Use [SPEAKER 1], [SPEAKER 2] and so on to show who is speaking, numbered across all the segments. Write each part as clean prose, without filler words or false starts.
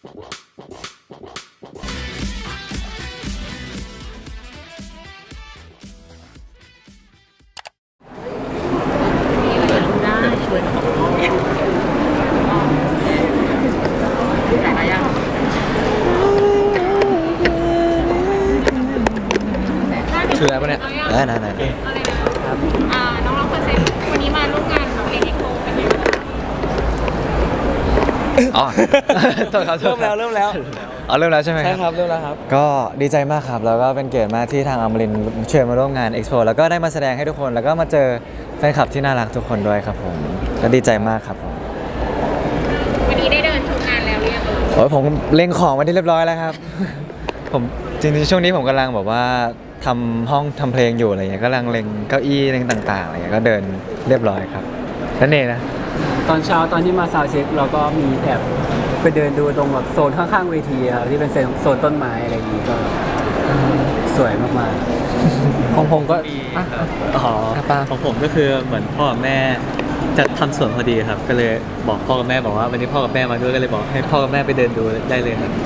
[SPEAKER 1] คืออะไรปะเนี่ยได้น้องเราเปิดเซฟวันนี้มาร่วมงานของเอ็กโคกันอยู่อ๋อเริ่มแล้วอ๋อเริ่มแล้วใช่ไหมใช่ครับเริ่มแล้วครับก็ดีใจมากครับแล้วก็เป็นเกียรติมากที่ทางอมรินทร์เชิญมาร่วมงานเอ็กโปแล้วก็ได้มาแสดงให้ทุกคนแล้วก็มาเจอแฟนคลับที่น่ารักทุกคนด้วยครับผมก็ดีใจมากครับผมวันนี้ได้เดินชมงานแล้วหรือยังโอ้ยผมเล็งของไว้ที่เรียบร้อยแล้วครับผมจริงๆช่วงนี้ผมกำลังแบบว่าทำห้องทำเพลงอยู่อะไรเงี้ยก็กำลังเล็งเก้าอี้เล็งต่างๆอะไรเงี้ยก็เดินเรียบร้อยครับนั่นเองนะ
[SPEAKER 2] ตอนเช้าตอนที่มาซาวด์เช็คเราก็มีแอบไปเดินดูตรงแบบโซนข้างๆเวทีครับที่เป็นโซนต้นไม้อะไรอย่างนี้ก็สวยมากๆของผมก็
[SPEAKER 3] ของผมก็คือเหมือนพ่อกับแม่จะทำสวนพอดีครับก็เลยบอกพ่อกับแม่บอกว่าวันนี้พ่อกับแม่มาด้วยก็เลยบอกให้พ่อกับแม่ไปเดินดูได้เลยครับ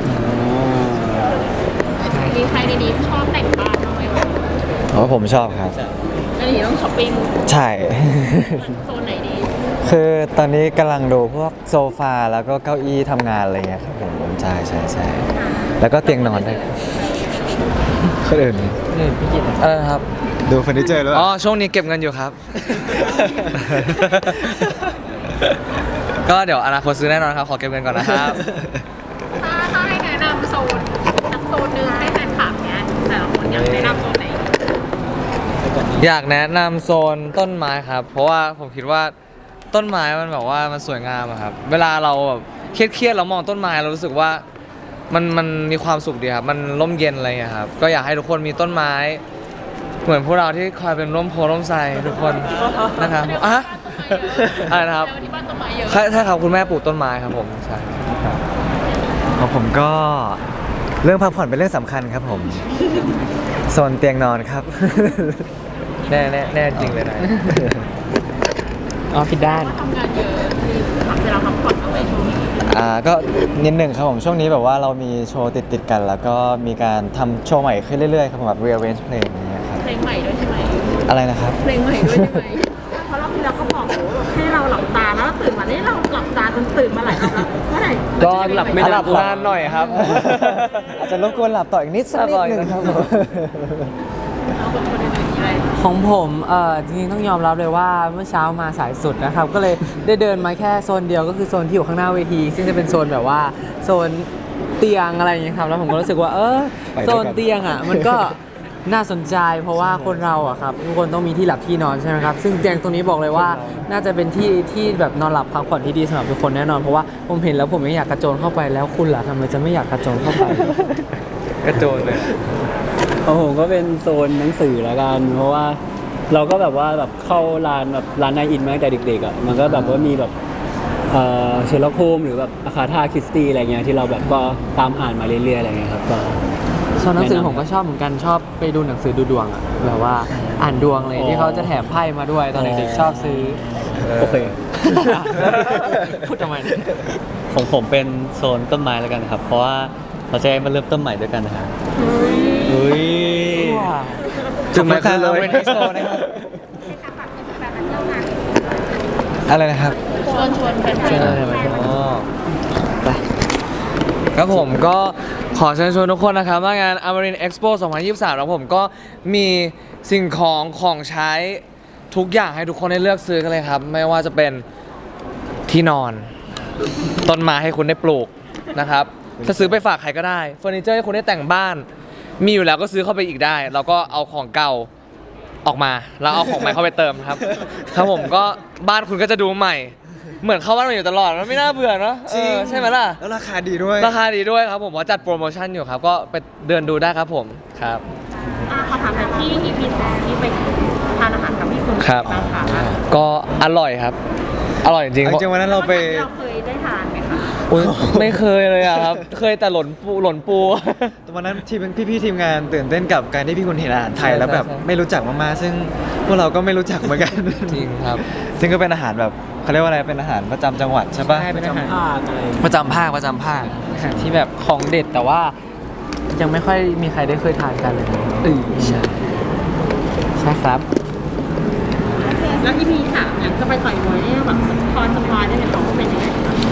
[SPEAKER 1] มีใครในนี้ชอบแต่งบ้านบ้างไหมวะ
[SPEAKER 2] อ๋อผมชอบครับ
[SPEAKER 1] อันนี้ต้องช้อปปิ้ง
[SPEAKER 2] ใช่
[SPEAKER 1] โซนไหนดี
[SPEAKER 2] คือตอนนี้กำลังดูพวกโซฟาแล้วก็เก้าอี้ทำงานอะไรเงี้ยครับผมใช่แล้วก็เตียงนอนด้วยคนอื่น
[SPEAKER 3] พี่กิต
[SPEAKER 2] ครับดูเฟอร์นิเจอร์ด้วย
[SPEAKER 3] อ๋อช่วงนี้เก็บเงินอยู่ครับก็เดี๋ยวอนาคตซื้อแน่นอนครับขอเก็บเงินก่อนนะครับ
[SPEAKER 1] ถ้าให้แนะนำโซนนึงให้แฟนคลับเนี้ยแต่ละคนอยากแนะนำโซนไหน
[SPEAKER 3] อยากแนะนำโซนต้นไม้ครับเพราะว่าผมคิดว่าต้นไม้มันแบบว่ามันสวยงามครับเวลาเราแบบเครียดเรามองต้นไม้เรารู้สึกว่ามันมีความสุขดีครับมันร่มเย็นอะไรอย่างเงี้ยครับก็อยากให้ทุกคนมีต้นไม้เหมือนพวกเราที่คอยเป็นร่มโพร่มไทรทุกคนนะครับอะไรนะครับใช่ครับคุณแม่ปลูกต้นไม้ครับผมใช่
[SPEAKER 2] ของผมก็เรื่องพักผ่อนเป็นเรื่องสำคัญครับผมโซนเตียงนอนครับ
[SPEAKER 3] แน่จริงเลยนะ
[SPEAKER 2] อ๋อผิดด้าน
[SPEAKER 1] ทำงานเยอะเวลาพักผ่อนเอาไว้ช่วงนี้
[SPEAKER 2] ก็นิดหนึ่งครับผมช่วงนี้แบบว่าเรามีโชว์ติดกันแล้วก็มีการทำโชว์ใหม่ขึ้นเรื่อยๆครับผมแบบ rearrange เพลงอย่างเงี้ยครับ
[SPEAKER 1] เพลงใหม่ด้วยใช่ไหม
[SPEAKER 2] อะไรนะครับ
[SPEAKER 1] เพลงใหม่ด้วยใช่ไหมเพราะรอบที่แล้วก็บอกให้เราหลับตาแล้วตื่นมานี่เราหลับตาจนตื่นมาหลายรอบแล้วเมื่อไหร่
[SPEAKER 3] ก็หลับไม่หลับนานหน่อยครับ
[SPEAKER 2] อาจจะรบกวนหลับต่ออีกนิดสักนิดนึงครับ
[SPEAKER 4] ของผมจริงๆต้องยอมรับเลยว่าเมื่อเช้ามาสายสุดนะครับก็เลยได้เดินมาแค่โซนเดียวก็คือโซนที่อยู่ข้างหน้าเวทีซึ่งจะเป็นโซนแบบว่าโซนเตียงอะไรอย่างเงี้ยครับแล้วผมก็รู้สึกว่าโซนเตียงมันก็น่าสนใจเพราะว่าคนเราครับทุกคนต้องมีที่หลับที่นอนใช่ไหมครับซึ่งเตียงตรงนี้บอกเลยว่าน่าจะเป็นที่แบบนอนหลับพักผ่อนที่ดีสำหรับทุกคนแน่นอนเพราะว่าผมเห็นแล้วผมไม่อยากกระโจนเข้าไปแล้วคุณล่ะทำไมจะไม่อยากกระโจนเข้าไป
[SPEAKER 3] กระโจนเลย
[SPEAKER 2] ผมก็เป็นโซนหนังสือละกันเพราะว่าเราก็แบบว่าแบบเข้าร้านแบบร้านนายอินมาตั้งแต่เด็กๆมันก็แบบว่ามีแบบเชอร์ล็อกโฮมหรือแบบอาคาธาคริสตี้อะไรเงี้ยที่เราแบบก็ตามอ่านมาเรื่อยๆอะไรเงี้ยครับก็
[SPEAKER 4] โซนหนังสือผมก็ชอบเหมือนกันชอบไปดูหนังสือดูดวงแบบว่าอ่านดวงเลยที่เขาจะแถมไพ่มาด้วยตอนเด็กๆชอบซื้อ
[SPEAKER 2] โอเค
[SPEAKER 4] พูดทำไม
[SPEAKER 3] ของผมเป็นโซนต้นไม้แล้วกันครับเพราะว่าเราจะมาเริ่มต้นใหม่ด้วยกันนะครับ
[SPEAKER 2] จุดหมายคือเราเป็นไฮโซนะครับอะไรนะครับ
[SPEAKER 1] ชวนแฟน
[SPEAKER 3] ๆครับผมก็ขอเชิญชวนทุกคนนะครับว่างาน Amarin Expo 2023แล้วผมก็มีสิ่งของใช้ทุกอย่างให้ทุกคนได้เลือกซื้อกันเลยครับไม่ว่าจะเป็นที่นอนต้นไม้ให้คุณได้ปลูกนะครับจะซื้อไปฝากใครก็ได้เฟอร์นิเจอร์ให้คุณได้แต่งบ้านมีอยู่แล้วก็ซื้อเข้าไปอีกได้แล้วก็เอาของเก่าออกมาแล้วเอาของใหม่เข้าไปเติมครับครับผมก็บ้านคุณก็จะดูใหม่เหมือนเข้าบ้านมาอยู่ตลอดมันไม่น่าเบื่อเนาะใช่ไหมล่ะ
[SPEAKER 2] แล้วราคาดีด้วย
[SPEAKER 3] ครับผมว่าจัดโปรโมชั่นอยู่ครับก็ไปเดินดูได้ครับผมครับ
[SPEAKER 1] ขอถามหน่อยที่ EP 2ที่ไปทานอาหารกับพี่คุณ
[SPEAKER 3] ครับก็อร่อยครับอร่อยจริง
[SPEAKER 2] ๆวันนั้นเราเคย
[SPEAKER 1] ได้ทานไหมคะ
[SPEAKER 3] อุ๊ยไม่เคยเลยอะครับ เคยแต่หล่นปู
[SPEAKER 1] ตอนนั้นพี่ๆทีมงานตื่นเต้นกับการที่พี่คุณเห็นอาหารไทยแล้วแบบ
[SPEAKER 3] ใช่
[SPEAKER 1] ไม่รู้จักมากๆซึ่งพวกเราก็ไม่รู้จักเหมือนกัน
[SPEAKER 3] จริงครับ
[SPEAKER 1] ซึ่งก็เป็นอาหารแบบเขาเรียกว่าอะไรเป็นอาหารประจำจังหวัดใช่ปะ
[SPEAKER 4] ใช่เป็นอาหาร
[SPEAKER 2] ภาคอะไร
[SPEAKER 3] ประจำภาคประจำภาค
[SPEAKER 4] อาหารที่แบบของเด็ดแต่ว่ายังไม่ค่อยมีใครได้เคยทานกันเลยใช่ใช่ครับ
[SPEAKER 5] แล้ว EP 3เนี่ยจะไปต่อยมวยเนี่ยแบบสปอยได้ไหมคะว่าเป็นยังไง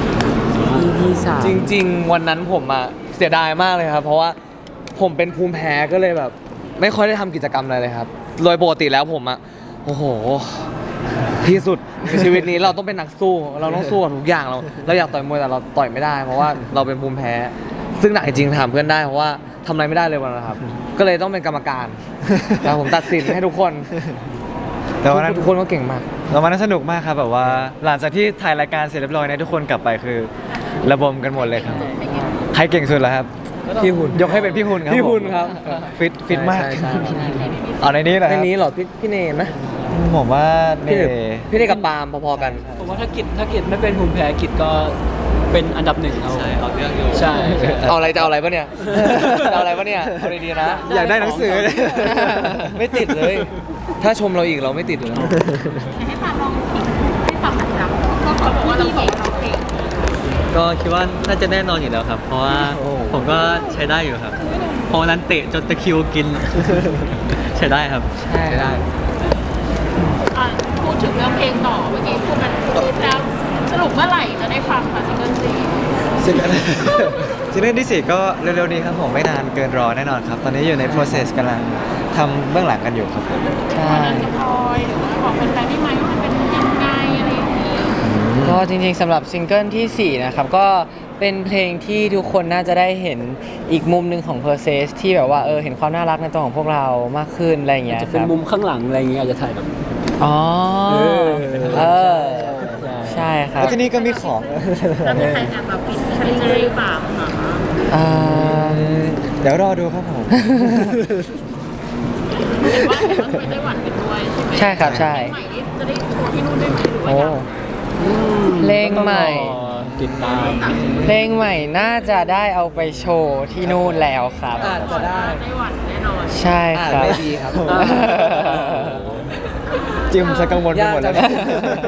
[SPEAKER 4] EP 3
[SPEAKER 3] จริง ๆ วันนั้นผมอะเสียดายมากเลยครับ เพราะว่าผมเป็นภูมิแพ้ก็เลยแบบ ไม่ค่อยได้ทำกิจกรรมอะไรเลยครับ โดยปกติแล้วผมอะโอ้โห ที่สุดในชีวิตนี้เราต้องเป็นนักสู้ เราต้องสู้กับทุกอย่างเราอยากต่อยมวยแต่เราต่อยไม่ได้ เพราะว่าเราเป็นภูมิแพ้ ซึ่งหนักจริงๆถามเพื่อนได้เพราะว่าทำอะไรไม่ได้เลยวันนั้นครับ ก็เลยต้องเป็นกรรมการแต่ผมตัดสินให้ทุกคน
[SPEAKER 1] แต่วันนั้น
[SPEAKER 3] ทุกคนก็เก่งมาก
[SPEAKER 1] เราวันนั้นสนุกมากครับแบบว่าหลังจากที่ถ่ายรายการเสร็จเรียบร้อยเนี่ยทุกคนกลับไปคือระบมกันหมดเลยครับใครเก่งสุดล่ะครับ
[SPEAKER 3] พี่หุ่น
[SPEAKER 1] ยกให้เป็นพี่หุ่นครับ
[SPEAKER 3] พี่หุ่น
[SPEAKER 1] ผม
[SPEAKER 3] ครับ
[SPEAKER 1] ฟิตมาก
[SPEAKER 3] ใช่ใช่ใช่
[SPEAKER 1] เอาในนี้เหรอค
[SPEAKER 3] ใน
[SPEAKER 1] รับ
[SPEAKER 3] นี้เหรอพี่เนมไหม
[SPEAKER 1] ผมว่าเน
[SPEAKER 3] พี่เนกับปาล์มพอๆกัน
[SPEAKER 2] ผมว่าถ้ากิจไม่เป็นภูมิแพ้กิจก็เป็นอันดับหนึ่งเอา
[SPEAKER 1] ใช่เอาเรื่องอยู่
[SPEAKER 2] ใช่
[SPEAKER 3] เอาอะไรจะเอาอะไรปะเนี่ย จะเอาอะไรปะเนี่ยเอาดีๆนะ
[SPEAKER 1] อยากได้หนังสือเลย
[SPEAKER 3] ไม่ติดเลย ถ้าชมเราอีกเราไม่ติดอยู่แล้ว
[SPEAKER 5] ให้ฟังลองให้ฟังหน่อยครับก็เขาบอกว่าเราเก่งเราเก่ง
[SPEAKER 6] ก็คิดว่าน่าจะแน่นอนอยู่แล้วครับ เพราะว่าผมก็ใช้ได้อยู่ครับเพราะวันนั้นเตะจนตะคริวกิน ใช้ได้ครับ
[SPEAKER 4] ใช่ได้
[SPEAKER 5] อ่ะพูดถึงเรื่องเพลงต่อเมื่อกี้พูดมันพูดแล้วสรุปเมื่อไหร่จะได้ฟังค่ะซิงเกิลซี
[SPEAKER 1] ซิงเกิลซิงเกิลที่4ก็เร็วๆนี้ครับผมไม่นานเกินรอแน่นอนครับ ตอนนี้อยู่ใน process กำลังทำเบื้องหลังกันอยู่ครับ
[SPEAKER 4] ใช่
[SPEAKER 5] มันจะพลอยหรือว่าบอกแฟนๆได้ไหมว่ามันเป็นยังไงอะไรอย่างนี้
[SPEAKER 4] ก็จริงๆสำหรับซิงเกิลที่ 4 นะครับ ก็เป็นเพลงที่ทุกคนน่าจะได้เห็นอีกมุมหนึ่งของ p e r s e s ที่แบบว่าเห็นความน่ารักในตัวของพวกเรามากขึ้นอะไรอย่างเงี้ย
[SPEAKER 2] จะเป็น
[SPEAKER 4] ครับ
[SPEAKER 2] มุมข้างหลังอะไรอย่างเงี้ยอาจจะถ่ายแบบ
[SPEAKER 4] อ๋อ
[SPEAKER 2] เออ
[SPEAKER 4] เออใช่ครับ
[SPEAKER 1] แล้วที่นี่ก็มีของ
[SPEAKER 5] แล้วมีใครแอบแบบปิดชาลีหรือเปล่าคะ
[SPEAKER 4] อ่า
[SPEAKER 1] เดี๋ยวรอดูครับผม
[SPEAKER 5] เห็นว่าไปไต้หวันกันด้วยใช่ไหม
[SPEAKER 4] ใช่ครับใช่
[SPEAKER 5] ใหม่นี่จะได้โชว์ที่นู่นได้ไหมหรือว่า
[SPEAKER 4] โอ้
[SPEAKER 5] ยัง
[SPEAKER 4] เพลงใหม่
[SPEAKER 2] ติดตาม
[SPEAKER 4] เพลงใหม่น่าจะได้เอาไปโชว์ที่นู่นแล้วครับ
[SPEAKER 3] อาจจะได้
[SPEAKER 5] ไต้หวันแน่นอน
[SPEAKER 4] ใช่
[SPEAKER 3] อาจ
[SPEAKER 4] ครับ
[SPEAKER 3] ไม่ดีครับ
[SPEAKER 1] จิมสกังวลไปหมดแล้ว
[SPEAKER 3] ยากจัง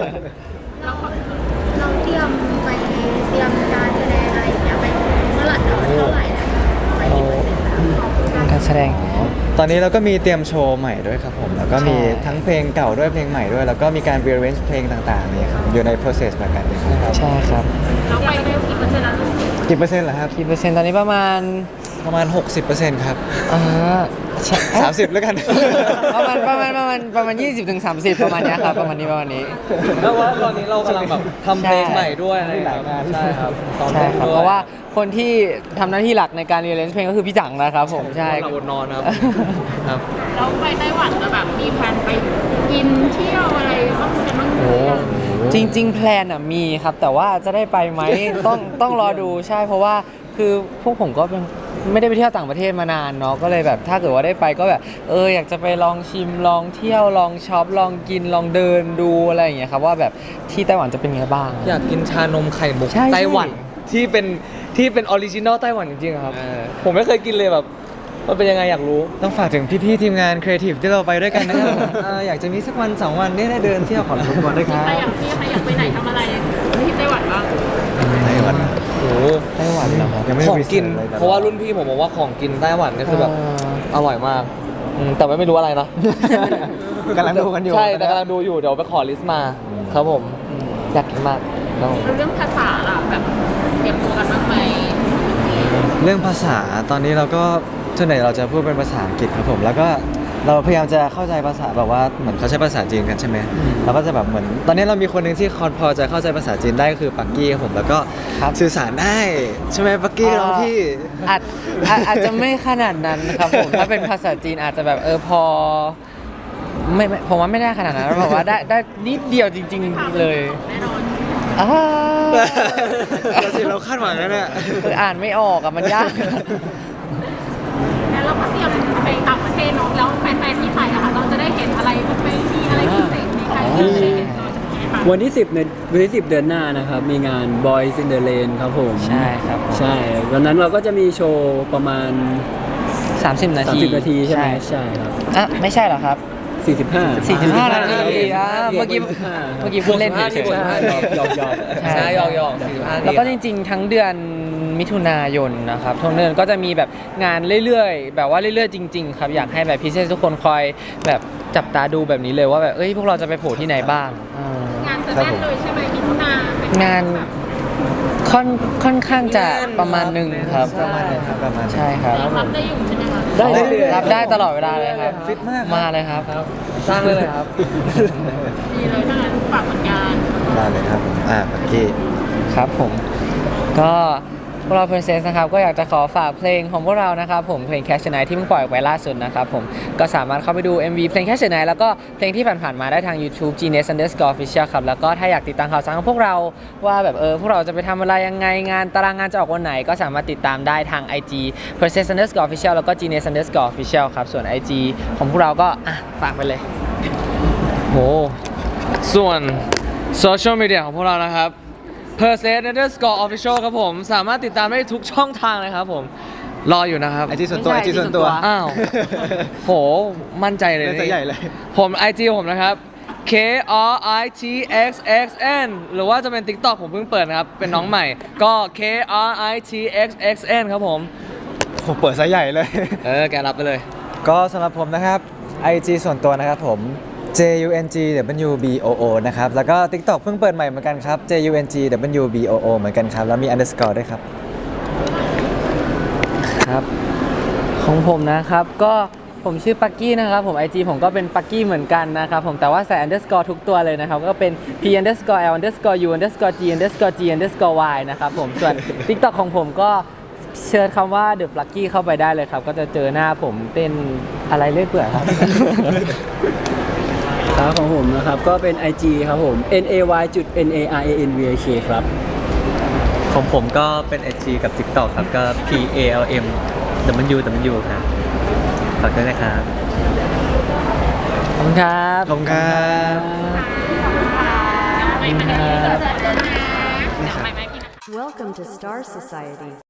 [SPEAKER 7] เราเตรียมไปเตรียมการแสดงอะไรอย่างเงี้ยไปเมื่อไหร่เท่าไหร่นะคะไปกี่เปอร์เซ็นต์แล้ว
[SPEAKER 4] การแสดง
[SPEAKER 1] ตอนนี้เราก็มีเตรียมโชว์ใหม่ด้วยครับผม แล้วก็มี
[SPEAKER 4] ใช่
[SPEAKER 1] ทั้งเพลงเก่าด้วยเพลงใหม่ด้วย แล้วก็มีการ rearrange เพลงต่างๆเนี่ยครับอยู่ใน process เหมือนกันเลยครับ
[SPEAKER 4] ใช่ครับ
[SPEAKER 5] เราไปได้กี่เปอร์เซ็นต์แล้ว
[SPEAKER 1] กี่เปอร์เซ็นต์เหรอครับ
[SPEAKER 4] กี่เปอร์เซ็นต์ตอนนี้ประมาณ
[SPEAKER 1] ประมาณ 60%ครับ
[SPEAKER 4] อ่าใช่
[SPEAKER 1] 30 แล้วกัน
[SPEAKER 4] ประมาณ20ถึง30ประมาณเนี้ยครับประมาณนี้
[SPEAKER 3] แล้วว่าตอนนี้เรากำลังแบบทำเพลงใหม่ด้วยอะไรอย่างเงี้ยใช่ครับซ้อม
[SPEAKER 4] ใช่
[SPEAKER 3] เพลง
[SPEAKER 4] ครับ
[SPEAKER 3] ด้วย
[SPEAKER 4] เพราะว่าคนที่ทำหน้าที่หลักในการเรียนเพลงก็คือพี่จังนะครับผมใช่
[SPEAKER 3] เราอดนอนครับ ครับ
[SPEAKER 5] เราไปไต้หวันจะแบบมีแพลนไปกินเที่ยวอะไรบ้างกันบ้าง
[SPEAKER 4] โอ้จริง ๆ แพลนอ่ะมีครับ แต่ว่าจะได้ไปไหม ต้องรอดูใช่เพราะว่าคือพวกผมก็ไม่ได้ไปเที่ยวต่างประเทศมานานเนาะก็เลยแบบถ้าเกิดว่าได้ไปก็แบบอยากจะไปลองชิมลองเที่ยวลองช็อปลองกินลองเดินดูอะไรอย่างเงี้ยครับว่าแบบที่ไต้หวันจะเป็นไงบ้าง
[SPEAKER 3] อยากกินชานมไข่มุก
[SPEAKER 4] ใช่
[SPEAKER 3] ไต้หวันที่เป็นออริจินอลไต้หวันจริงๆอะครับ ผมไม่เคยกินเลยแบบมันเป็นยังไงอยากรู้
[SPEAKER 1] ต้องฝากถึงพี่ๆทีมงานครีเอทีฟที่เราไปด้วยกันนะครับอยากจะมีสักวัน 2 วันได้เดินเที่ยวขอรบกวนด้วยครับ
[SPEAKER 5] ใครอยากที่ใครอยากไปไหนทำอะไรที่ไต้หวันบ้าง
[SPEAKER 1] ไต้หวัน
[SPEAKER 3] โอ้โห
[SPEAKER 4] ไต้หวันเหรอครับ
[SPEAKER 1] ยังไม่
[SPEAKER 3] ของกิน
[SPEAKER 1] research เลยแต่
[SPEAKER 3] เพราะว่ารุ่นพี่ผมบอกว่าของกินไต้หวันนี่คือแบบอร่อยมากแต่ไม่รู้อะไรนะ
[SPEAKER 1] กำลังดูกันอยู่
[SPEAKER 3] ใช่แต่กำลังดูอยู่เดี๋ยวไปขอลิสต์มาครับผมอยากกินมากครับผม
[SPEAKER 5] เรื่องภาษาล่ะแบบเตรียมตัวกันบ้างไหม
[SPEAKER 1] เรื่องภาษาตอนนี้เราก็ส่วนใหญ่เราจะพูดเป็นภาษาอังกฤษครับผม แล้วก็เราพยายามจะเข้าใจภาษาแบบว่าเหมือนเขาใช้ภาษาจีนกันใช่ไหมเราก็จะแบบเหมือน ตอนนี้เรามีคนหนึ่งที่พอจะเข้าใจภาษาจีนได้ก็คือปักกี้ครับผมแล้วก็
[SPEAKER 4] ครับ
[SPEAKER 1] สื่อสารได้ใช่ไหมปักกี้น้องพี่
[SPEAKER 4] อาจจะไม่ขนาดนั้นครับผม ถ้าเป็นภาษาจีนอาจจะแบบพอไม่ผมว่าไม่ได้ขนาดนั้นแบบว่าได้นิดเดียวจริง ๆ เลย
[SPEAKER 5] แน่นอน
[SPEAKER 4] อ่า
[SPEAKER 1] เราสิเราคาดหวังแล้วเนี่ย
[SPEAKER 4] คืออ่านไม่ออกอะมันยาก
[SPEAKER 5] แล้วเราก็เตรียมไปต่างประเทศเนาะแล้วแฟนๆที่ไทยอะค่ะเราจะได้เห็นอะไรบ้างไหมมีอะไรพิเศษในการที่จะได้เห็นเราจากนี้คะ
[SPEAKER 2] วันที่ 10เดือนหน้านะครับ มีงาน Boys in the Lane ครับผม
[SPEAKER 4] ใช่ครับผม
[SPEAKER 2] ใช่วันนั้นเราก็จะมีโชว์ประมาณ
[SPEAKER 4] 30 นาที
[SPEAKER 2] 30 นาทีใช่ไหมใช่ครับ
[SPEAKER 4] อ่ะไม่ใช่เหรอครับ
[SPEAKER 2] 45
[SPEAKER 4] 45 นาทีอ่ะเมื่อกี้
[SPEAKER 2] 45
[SPEAKER 4] เมื่อกี้พูดเล่นเฉย
[SPEAKER 2] ใช่หยอก
[SPEAKER 3] ใช่หยอก45
[SPEAKER 4] แล้วก็จริงๆ ทั้งเดือนมิถุนายนนะครับทั้งเดือนก็จะมีแบบงานเรื่อยๆ แบบว่าเรื่อยๆ จริง ๆ ครับ อยากให้แบบพิเศษทุกคนคอยแบบจับตาดูแบบนี้เลยว่าแบบเอ้ยพวกเราจะไปโผล่ที่ไหนบ้างอ่าง
[SPEAKER 5] านจะแน่นเลยใช่ไหมมิถุนาเป็น
[SPEAKER 4] งานค่อนข้างจะประมาณหนึ่งครับ
[SPEAKER 1] ประมาณนี้ครับประมาณนี้
[SPEAKER 4] ใช่ครับ
[SPEAKER 5] ยังรับได้อยู่ใช่ไหมคะ
[SPEAKER 2] ได้เรื่อยๆ
[SPEAKER 4] รับได้ตลอดเวลาเลยครับ
[SPEAKER 1] ฟิตมากครับ
[SPEAKER 4] มาเลยครับ
[SPEAKER 3] สร้างเลยครับ
[SPEAKER 5] ดีเลยถ้างั้นฝากผลงาน
[SPEAKER 1] ได้เลยครับผมเมื่อกี้
[SPEAKER 4] ครับผมก็พวกเรา Princess นะครับก็อยากจะขอฝากเพลงของพวกเรานะครับผมเพลง Catch the Night ที่เพิ่งปล่อยออกไปล่าสุดนะครับผมก็สามารถเข้าไปดู MV เพลง Catch the Night แล้วก็เพลงที่ผ่านๆมาได้ทาง YouTube Genius_Official ครับแล้วก็ถ้าอยากติดตามข่าวสารของพวกเราว่าแบบพวกเราจะไปทำอะไรยังไงงานตารางงานจะออกวันไหน ก็สามารถติดตามได้ทาง IG Princess_Official แล้วก็ Genius_Official ครับส่วน IG ของพวกเราก็ฝากไปเลย
[SPEAKER 3] โหส่วนโซเชียลมีเดียของพวกเรานะครับ Percent_Official ครับผม สามารถติดตามได้ทุกช่องทางเลยครับผม รออยู่นะครับ
[SPEAKER 1] ไอจีส่วนตัว
[SPEAKER 4] ไม่
[SPEAKER 1] ไอ
[SPEAKER 4] ใช่
[SPEAKER 1] จีส่วนตัว
[SPEAKER 4] IG ส่วนตัว
[SPEAKER 3] อ้าว โห มั่นใจเลย
[SPEAKER 1] เล่นซะใหญ่เลย
[SPEAKER 3] ผม IG ผมนะครับ KRITXXN หรือว่าจะเป็น TikTok ผมเพิ่งเปิดนะครับ เป็นน้องใหม่ ก็ KRITXXN ครับผม
[SPEAKER 1] ผมเปิดซะใหญ่เลย
[SPEAKER 3] แกรับไปเลย
[SPEAKER 1] ก็สำหรับผมนะครับ IG ส่วนตัวนะครับผม JUNGWBOO นะครับ แล้วก็ TikTok เพิ่งเปิดใหม่เหมือนกันครับ JUNGWBOO เหมือนกันครับ แล้วมี underscore ด้วยครับ
[SPEAKER 4] ครับของผมนะครับก็ผมชื่อปักกี้นะครับผม IG ผมก็เป็นปักกี้เหมือนกันนะครับผมแต่ว่าใส่ underscore ทุกตัวเลยนะครับก็เป็น P_L_U_G_Y นะครับผมส่วน TikTok ของผมก็เชิญคำว่า The Plucky เข้าไปได้เลยครับก็จะเจอหน้าผมเต้นอะไรเรื่อยเปื่อยครับ
[SPEAKER 2] ครับของผมนะครับก็เป็น IG ครับผม NAY.NARANVAK ครับ
[SPEAKER 6] ของผมก็เป็น IG กับ TikTok ครับ ก็ PALMWW ครับฝากด้วยนะครับ
[SPEAKER 4] ขอบคุณครับ
[SPEAKER 1] ขอบคุณครับ
[SPEAKER 5] ไม่มาได้เลยเดี๋ยวจะเจอนะเดี๋ยวไม่พี่นะ
[SPEAKER 8] Welcome to Star Society.